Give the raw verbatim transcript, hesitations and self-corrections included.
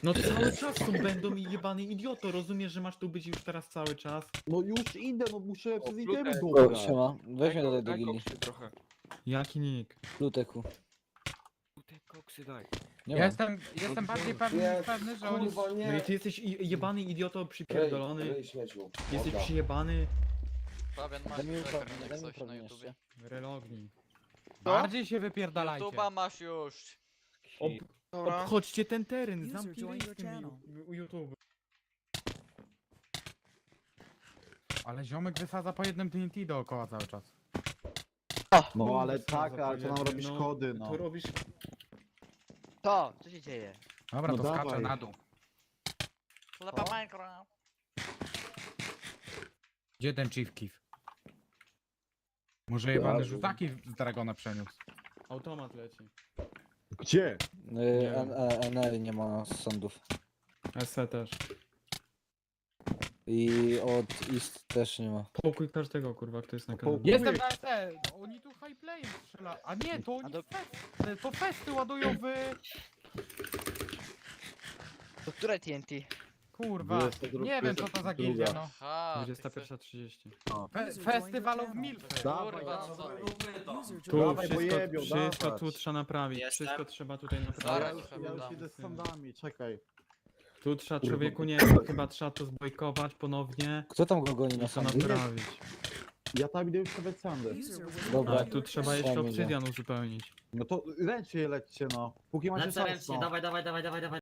No cały czas tu będą i jebany idioto, rozumiesz, że masz tu być już teraz cały czas? No już idę, no muszę przez itemy Plutek. O, dobrać. siema. Weź mnie tutaj do Daj gili. koksy trochę. Jaki nick? Luteku. Plutek, koksy daj. Nie Ja mam. jestem, jestem bardziej pewny, Nie, pewny, że oni... kurwa No nie. i ty jesteś i- jebany idioto Rej, przypierdolony, rej śmieciu. jesteś Dobra. przyjebany, Fabian, masz Daj mi czekaj, uprawnienie, jak daj mi coś na uprawnienie YouTubie. relognij. Bardziej się wypierdalajcie. YouTuba masz już. Ob Dobra. obchodźcie ten teren, User zamknij joined z your tym channel. ju- u- YouTube. Ale ziomek wysadza po jednym T N T dookoła cały czas. No ale Kurwa, tak, ale to nam zapowiedzi, robi no, szkody, no. To robisz... To, co się dzieje? Dobra, No to skaczę dawaj. na dół. Klepa Minecraft. Gdzie ten Chief Keef? Może jebany Ja- rzucaki z Dragona przeniósł. Automat leci. Gdzie? Y, N- e- N L nie ma sądów. S E też. I od East też nie ma. Pokój każdego kurwa, kto jest na kanale. Pokój. Jestem na S E! Oni tu high play strzela. A nie, to A oni do- fest, to festy ładują w... To które T N T? Kurwa, dwudziesta druga- nie wiem co to za gildia, no. Aha, ty dwudziesta chcesz... pierwsza trzydzieści. Fe festiwalów Milfy. Dawaj, Kurwa, no co? User Tu Dawaj, bo wszystko, jebią, wszystko dawać. tu trzeba naprawić, Jestem. wszystko trzeba tutaj Ja, naprawić. Zaraz już- ci ja już przeglądam. idę z sandami, czekaj. Tu trzeba Kurwa. człowieku, nie chyba trzeba to zbojkować ponownie Kto tam go goni na i to sądy? naprawić. Ja tam idę już stawiać sandy. User was Dobra. Ale tu trzeba jeszcze Sam idę. obsydian uzupełnić. No to lećcie, lećcie no. Póki macie Lecę czas, ręcznie, no. dawaj, dawaj, dawaj, dawaj, dawaj.